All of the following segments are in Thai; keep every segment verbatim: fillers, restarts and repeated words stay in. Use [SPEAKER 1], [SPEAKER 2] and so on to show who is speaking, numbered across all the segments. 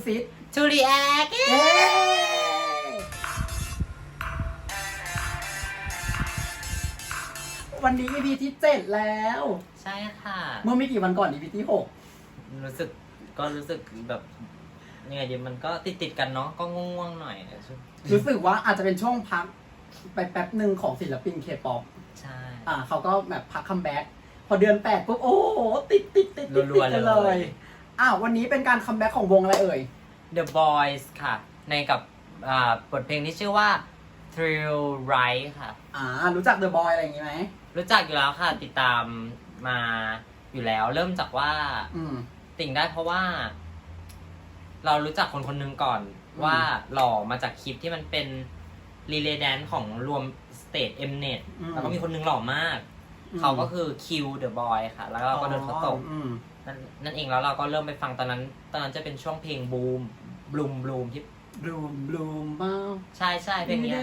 [SPEAKER 1] ซิด
[SPEAKER 2] To react
[SPEAKER 1] เย้วันนี้ อี พี ที่เจ็ดแล้ว
[SPEAKER 2] ใช่ค่ะ
[SPEAKER 1] เมื่อไม่กี่วันก่อน อี พี ที่หก
[SPEAKER 2] รู้สึกก็รู้สึกแบบยังไงดีมันก็ติดติดๆกันเนาะก็ง่วงๆหน่อย
[SPEAKER 1] รู้สึกว่าอาจจะเป็นช่วงพักไปแป๊บหนึ่งของศิลปินเคป๊อป
[SPEAKER 2] ใช่
[SPEAKER 1] อ่าเขาก็แบบพักคัมแบ็กพอเดือนแปดปุ๊บโอ้โหติดติดติดติดติดกันเลยอ้าววันนี้เป็นการคัมแบ็กของวงอะไรเอ่ย
[SPEAKER 2] The Boys ค่ะ ในกับอ่าบทเพลงที่ชื่อว่า Thrill Ride ค่ะ
[SPEAKER 1] อ่ารู้จัก The Boy อะไรอย่างงี้ไหม
[SPEAKER 2] รู้จักอยู่แล้วค่ะ ติดตามมาอยู่แล้ว เริ่มจากว่า
[SPEAKER 1] อืม
[SPEAKER 2] ติ่งได้เพราะว่า เรารู้จักคนคนหนึ่งก่อนว่าหล่อมาจากคลิปที่มันเป็นรีเลย์แดนซ์ของรวมสเตท Mnet แล้วก็มีคนหนึงหล่อมาก เขาก็คือ Q The Boy ค่ะ แล้วเราก็โดนเขาตกนั่นนั่นเองแล้วเราก็เริ่มไปฟังตอนนั้น ตอนนั้นจะเป็นช่วงเพลงบูมบลูมบลูมที่
[SPEAKER 1] บลูมบลูมบ้า
[SPEAKER 2] ใช่ใช่เพลงเนี้ย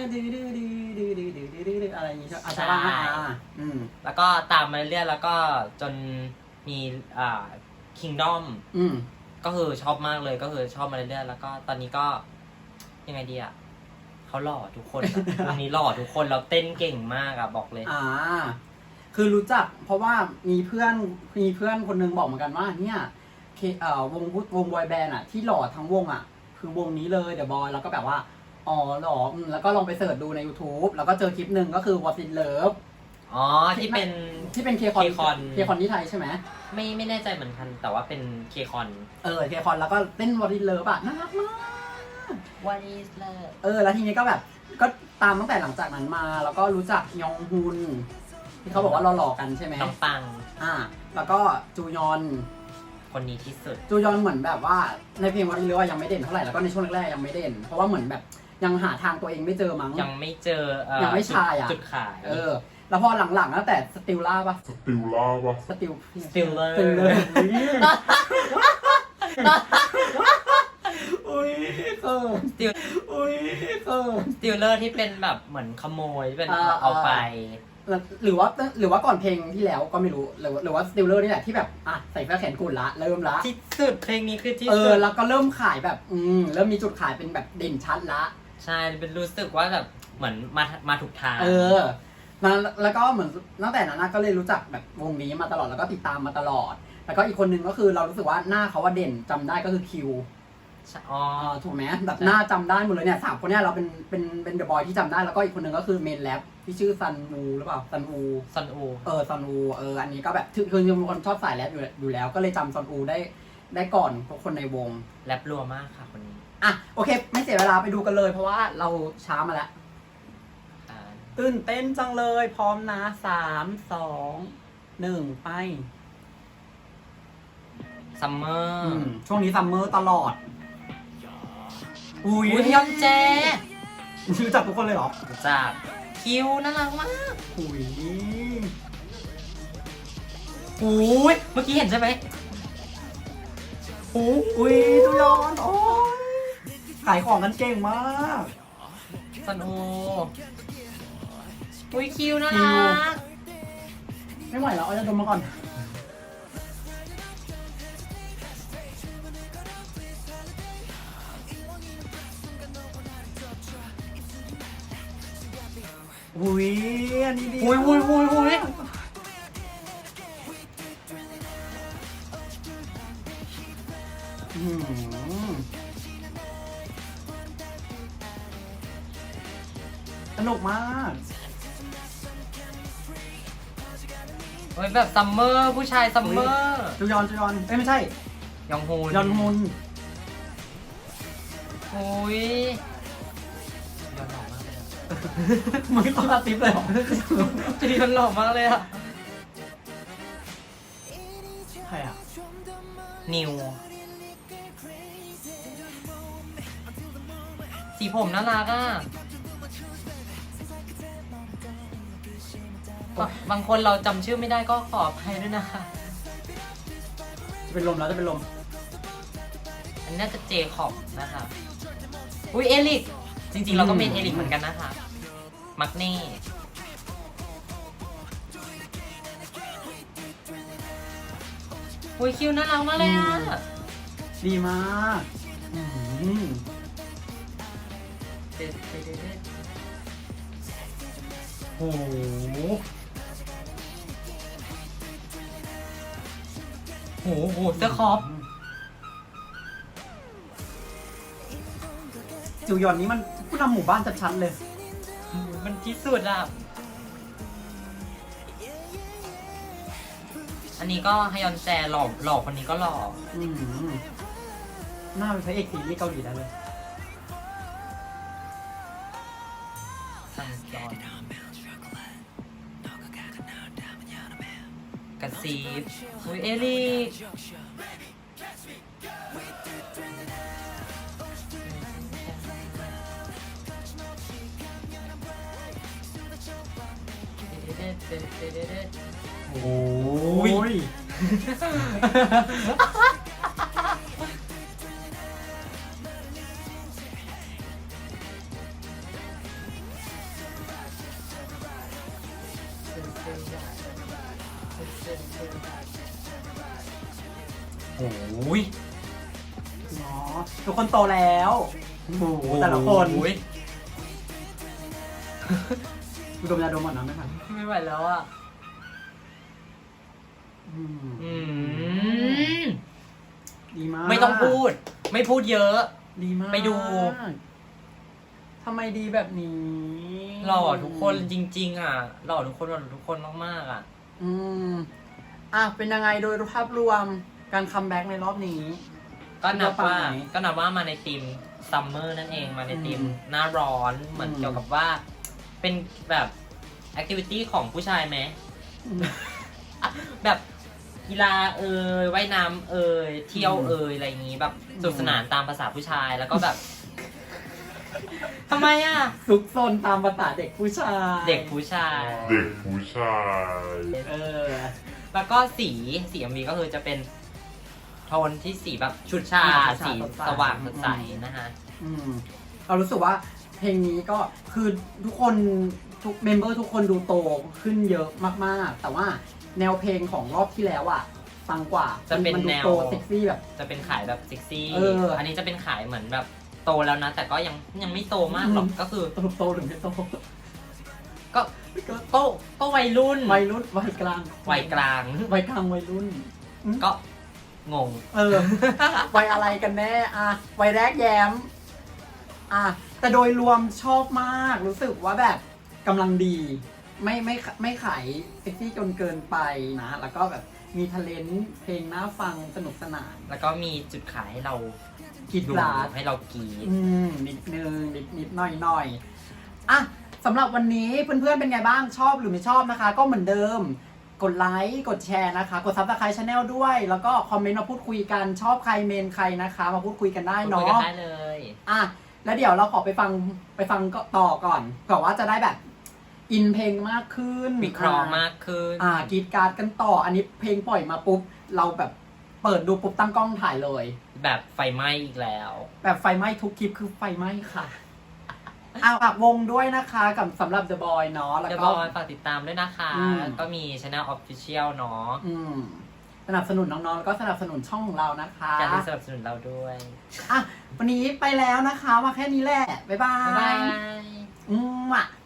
[SPEAKER 1] อะไรอย่างงี้ใช่ไหม
[SPEAKER 2] ใช่
[SPEAKER 1] อ่าอืม
[SPEAKER 2] แล้วก็ตามมาเรื่อยๆแล้วก็จนมีอ่า Kingdom
[SPEAKER 1] อืม
[SPEAKER 2] ก็คือชอบมากเลยก็คือชอบมาเรื่อยๆแล้วก็ตอนนี้ก็ยังไงดีอ่ะเขาหล่อทุกคนอะ วันนี้หล่อทุกคนเราเต้นเก่งมากอ่ะบอกเลย
[SPEAKER 1] อ่า คือรู้จักเพราะว่ามีเพื่อนมีเพื่อนคนนึงบอกเหมือนกันว่าเนี่ยเคเอ่อวงวงบอยแบนด์อ่ะที่หล่อทั้งวงอ่ะคือวงนี้เลยเดอะบอยแล้วก็แบบว่าอ๋อหล่ออืมแล้วก็ลองไปเสิร์ชดูใน YouTube แล้วก็เจอคลิปหนึ่งก็คือ What in Love
[SPEAKER 2] อ๋อที่เป็น
[SPEAKER 1] ที่เป็นเคคอน
[SPEAKER 2] K-Con
[SPEAKER 1] เคคอนที่ไทยใช่ไหม
[SPEAKER 2] ไม่ไม่แน่ใจเหมือนกันแต่ว่าเป็นเคคอน
[SPEAKER 1] เออเคคอนแล้วก็เต้น What in Love อ่ะน่ารักมาก
[SPEAKER 2] What is love
[SPEAKER 1] เออแล้วทีนี้ก็แบบก็ตามตั้งแต่หลังจากนั้นมา แล้วก็รู้จักยองฮุนที่เขาบอกว่าเราหล่อกันใช่ไหม
[SPEAKER 2] น้องปัง
[SPEAKER 1] อ่า แล้วก็จูยอน
[SPEAKER 2] คนนี้ที่สุด
[SPEAKER 1] จูยอนเหมือนแบบว่าในเพลงวันนี้เลยว่ายังไม่เด่นเท่าไหร่แล้วก็ในช่วงแรกๆยังไม่เด่น เพราะว่าเหมือนแบบยังหาทางตัวเองไม่เจอมั้ง
[SPEAKER 2] ยังไม่เจอเอ่อ
[SPEAKER 1] ยังไม่ชายอะ
[SPEAKER 2] จุดขาย
[SPEAKER 1] เออ แล้วพอหลังๆตั้งแต่สติลล่าปะ
[SPEAKER 3] สติลล่าปะ
[SPEAKER 1] สติล
[SPEAKER 2] Stiller
[SPEAKER 1] สติลเลยอุ้ยเออ
[SPEAKER 2] สติล
[SPEAKER 1] อุ้ยเออ
[SPEAKER 2] สติลเลอร์ที่เป็นแบบเหมือนขโมยที่เป็น
[SPEAKER 1] อ่า
[SPEAKER 2] เอาไป
[SPEAKER 1] หรือว่าหรือว่าก่อนเพลงที่แล้วก็ไม่รู้หรือว่าหรือว่าสติลเลอร์นี่แหละที่แบบอ่ะใส่เสื้อแขนกุดละเริ่มละ
[SPEAKER 2] ที่สุดเพลงนี้คือที่
[SPEAKER 1] เอ
[SPEAKER 2] สุ
[SPEAKER 1] อ
[SPEAKER 2] ด
[SPEAKER 1] แล้วก็เริ่มขายแบบอืมเริ่มมีจุดขายเป็นแบบเด่นชัดละ
[SPEAKER 2] ใช่เป็นรู้สึกว่าแบบเหมือนมามาถูกทาง
[SPEAKER 1] เออมาแล้วก็เหมือนตั้งแต่นั้นนะก็เลยรู้จักแบบวงนี้มาตลอดแล้วก็ติดตามมาตลอด แล้วก็อีกคนนึงก็คือเรารู้สึกว่าหน้าเขาว่าเด่นจำได้ก็คือคิว
[SPEAKER 2] อ๋อ
[SPEAKER 1] อ่าถูกไหมแบบหน้าจำได้หมดเลยเนี่ยสามคนเนี้ยเราเป็นเป็นเป็นเดอะบอยที่จำได้แล้วก็อีกคนนึงก็คือเมนแรปที่ชื่อซันวูหรือเปล่าซันวู
[SPEAKER 2] ซันอู
[SPEAKER 1] เออซันวูเอออันนี้ก็แบบคือคือเป็นคนชอบสายแรปอยู่อยู่แล้ว ก็เลยจำซันวูได้ได้ก่อนทุกคนในวง
[SPEAKER 2] แรปรัวมากค่ะคนนี้
[SPEAKER 1] อ่ะโอเค ไม่เสียเวลาไปดูกันเลย เพราะว่าเราช้ามาแล้ว
[SPEAKER 2] อ่า
[SPEAKER 1] ตื่นเต้นจังเลยพร้อมนะสามสองหนึ่งไป
[SPEAKER 2] ซัมเมอ
[SPEAKER 1] อื
[SPEAKER 2] ร์
[SPEAKER 1] มช่วงนี้ซัมเมอร์ตลอด อุ้ย
[SPEAKER 2] อุ้ยยอนแจ
[SPEAKER 1] รู้จักทุกคนเลยเหรอ
[SPEAKER 2] จากคิวน่ารักมาก
[SPEAKER 1] อุ้ย
[SPEAKER 2] อุ้ยเมื่อกี้เห็นใช่ไหม
[SPEAKER 1] โอ้อุ้ยตุยอนโอ้ยขายของกันเก่งมาก
[SPEAKER 2] ซันอูอุ้ยคิวน่ารัก
[SPEAKER 1] ไม่ไหวแล้วเอาจะดมมาก่อน อุ้ยอันนี้ดี
[SPEAKER 2] อุ้ยอุ้ยอุ้ยอุ้ย
[SPEAKER 1] อืมสนุกมาก
[SPEAKER 2] เฮ้ยแบบซัมเมอร์ผู้ชายซัมเมอร์
[SPEAKER 1] จูยอนจูยอนเอ้ยไม่ใช่
[SPEAKER 2] ยองฮูน
[SPEAKER 1] ยอนฮุน
[SPEAKER 2] อุ้ยยอนหล่อมากเลยอะ
[SPEAKER 1] มันก็ต้องกระติบเลยเหรอ
[SPEAKER 2] จียอนหล่อมากเลยอะ
[SPEAKER 1] ใครอ่ะ
[SPEAKER 2] นิวสีผมน่ารักอ่ะบางบางคนเราจำชื่อไม่ได้ก็ขออภัยด้วยนะคะ
[SPEAKER 1] จะเป็นลมแล้วจะเป็นลม
[SPEAKER 2] อันนี้น่าจะเจคอบนะคะ อุ้ยเอลิก จริงๆ เราก็เป็นเอลิกเหมือนกันนะคะ มักเน่อุ้ยคิวน่ารักมากเลยอ่ะ
[SPEAKER 1] ดีมากอืม
[SPEAKER 2] โอ้โหโอ้โหเสื้อคอป
[SPEAKER 1] จิวยอนนี้มันผู้นำหมู่บ้านชัดๆเลย
[SPEAKER 2] มันที่สุดอ่ะ อันนี้ก็ฮยอนแจหล่อหล่อคนนี้ก็หล่อ
[SPEAKER 1] อืมหน้าเป็นพระเอกซีรีส์เกาหลีได้เลย
[SPEAKER 2] สั่งจอนกระซีบอุ้ยเอลี่โอ้ย โอ้ย
[SPEAKER 1] อ๋อทุกคนโตแล้วโอ้โหแต่ละคน
[SPEAKER 2] โอ้ย
[SPEAKER 1] ดูดมยาดมหมดนะไม่ทัน
[SPEAKER 2] ไม่ไหวแล้วอ่ะ
[SPEAKER 1] อืม
[SPEAKER 2] อืม
[SPEAKER 1] ดีมาก
[SPEAKER 2] ไม่ต้องพูด ไม่พูดเยอะ
[SPEAKER 1] ดีมาก
[SPEAKER 2] ไปดู
[SPEAKER 1] ทำไมดีแบบนี้
[SPEAKER 2] หล่อทุกคนจริง ๆ อ่ะ หล่อทุกคนหล่อทุกคนมากๆอ่ะ
[SPEAKER 1] อืมอ่ะเป็นยังไงโดยภาพรวมการคัมแบ็กในรอบนี้
[SPEAKER 2] ก็นับว่า
[SPEAKER 1] คิดว่าปังไหม
[SPEAKER 2] ก็นับว่ามาในธีมซัมเมอร์นั่นเองมาในธีม
[SPEAKER 1] อืม
[SPEAKER 2] หน้าร้อนเหมือน
[SPEAKER 1] อืม
[SPEAKER 2] เกี่ยวกับว่า เป็นแบบแอคทิวิตี้ของผู้ชายไหม
[SPEAKER 1] อืม
[SPEAKER 2] แบบกีฬาเอ่ยว่ายน้ำเอ่ยเที่ยวเอ่ยอะไรอย่างงี้แบบสนุกสนานตามภาษาผู้ชายแล้วก็แบบทำไมอ่ะ
[SPEAKER 1] ซุกซนตามภาษาเด็กผู้ชาย
[SPEAKER 2] เด็กผู้ชาย
[SPEAKER 3] เด็กผู้ชาย
[SPEAKER 1] เออ
[SPEAKER 2] แล้วก็สีสีเอ็มวีก็คือจะเป็นโทนที่สีแบบชุดชา
[SPEAKER 1] ชุดชา
[SPEAKER 2] สี
[SPEAKER 1] สดใส
[SPEAKER 2] สว่างสดใสนะฮะ
[SPEAKER 1] อืมเรารู้สึกว่าเพลงนี้ก็คือทุกคนทุกเมมเบอร์ทุกคนดูโตขึ้นเยอะมากๆ แต่ว่าแนวเพลงของรอบที่แล้วอ่ะฟังกว่า
[SPEAKER 2] จะเป็น
[SPEAKER 1] มัดู
[SPEAKER 2] แนว
[SPEAKER 1] โตเซ็กซี่แบบ
[SPEAKER 2] จะเป็นขายแบบเซ็กซี่
[SPEAKER 1] เอออั
[SPEAKER 2] นนี้จะเป็นขายเหมือนแบบโตแล้วนะ แต่ก็ยังยังไม่โตมากหรอก
[SPEAKER 1] อืม
[SPEAKER 2] ก็คือ
[SPEAKER 1] สรุปโตหรือไม่โต
[SPEAKER 2] ก็โตก็วัยรุ่น
[SPEAKER 1] วัยรุ่นวัยกลาง
[SPEAKER 2] วัยกลาง
[SPEAKER 1] วัยกลางวัยรุ่น
[SPEAKER 2] ก็งง
[SPEAKER 1] เออ วัยอะไรกันแน่อะวัยแรกแย้มอ่ะแต่โดยรวมชอบมากรู้สึกว่าแบบกำลังดี ไม่ไม่ไม่ขายเซ็กซี่จนเกินไปนะ แล้วก็แบบมีทะเลนเพลงน่าฟังสนุกสนาน
[SPEAKER 2] แล้วก็มีจุดขายให้เรา
[SPEAKER 1] คิด
[SPEAKER 2] ดู
[SPEAKER 1] ลาด
[SPEAKER 2] ให้เรากรีด
[SPEAKER 1] อืมนิดนึงนิดนิดหน่อยหน่อยอ่ะสำหรับวันนี้เพื่อนๆเป็นไงบ้างชอบหรือไม่ชอบนะคะ ก็เหมือนเดิม กดไลค์กดแชร์นะคะ กดซับสไครต์ชาแนลด้วย แล้วก็คอมเมนต์มาพูดคุยกันชอบใครเมนใครนะคะ มาพูดคุยกันได้
[SPEAKER 2] คุย
[SPEAKER 1] เนาะ
[SPEAKER 2] กันได้เลย
[SPEAKER 1] อ่ะแล้วเดี๋ยวเราขอไปฟังไปฟังก็ต่อก่อนเผื่อว่าจะได้แบบอินเพลงมากขึ้น
[SPEAKER 2] วิเคราะห์มากขึ้น
[SPEAKER 1] อ่ากรีดกราร์ดกันต่อ อันนี้เพลงปล่อยมาปุ๊บเราแบบเปิดดูปุ๊บตั้งกล้องถ่ายเลย
[SPEAKER 2] แบบไฟไหม้อีกแล้ว
[SPEAKER 1] แบบไฟไหม้ทุกคลิปคือไฟไหม้ค่ะ อ่ะฝากวงด้วยนะคะกับสำหรับ The Boy เนาะแล้ว
[SPEAKER 2] เดี๋ยว
[SPEAKER 1] ก็
[SPEAKER 2] บอยฝากติดตามด้วยนะคะ
[SPEAKER 1] อืม
[SPEAKER 2] ก็มีช anel official เนาะ
[SPEAKER 1] อืมสนับสนุนน้องๆแล้วก็สนับสนุนช่องของเรานะคะ
[SPEAKER 2] การที่สนับสนุนเราด้วย
[SPEAKER 1] อ่ะวันนี้ไปแล้วนะคะมาแค่นี้แหละ บ๊ายบา
[SPEAKER 2] บ๊ายบาย ย
[SPEAKER 1] อืมอ่ะ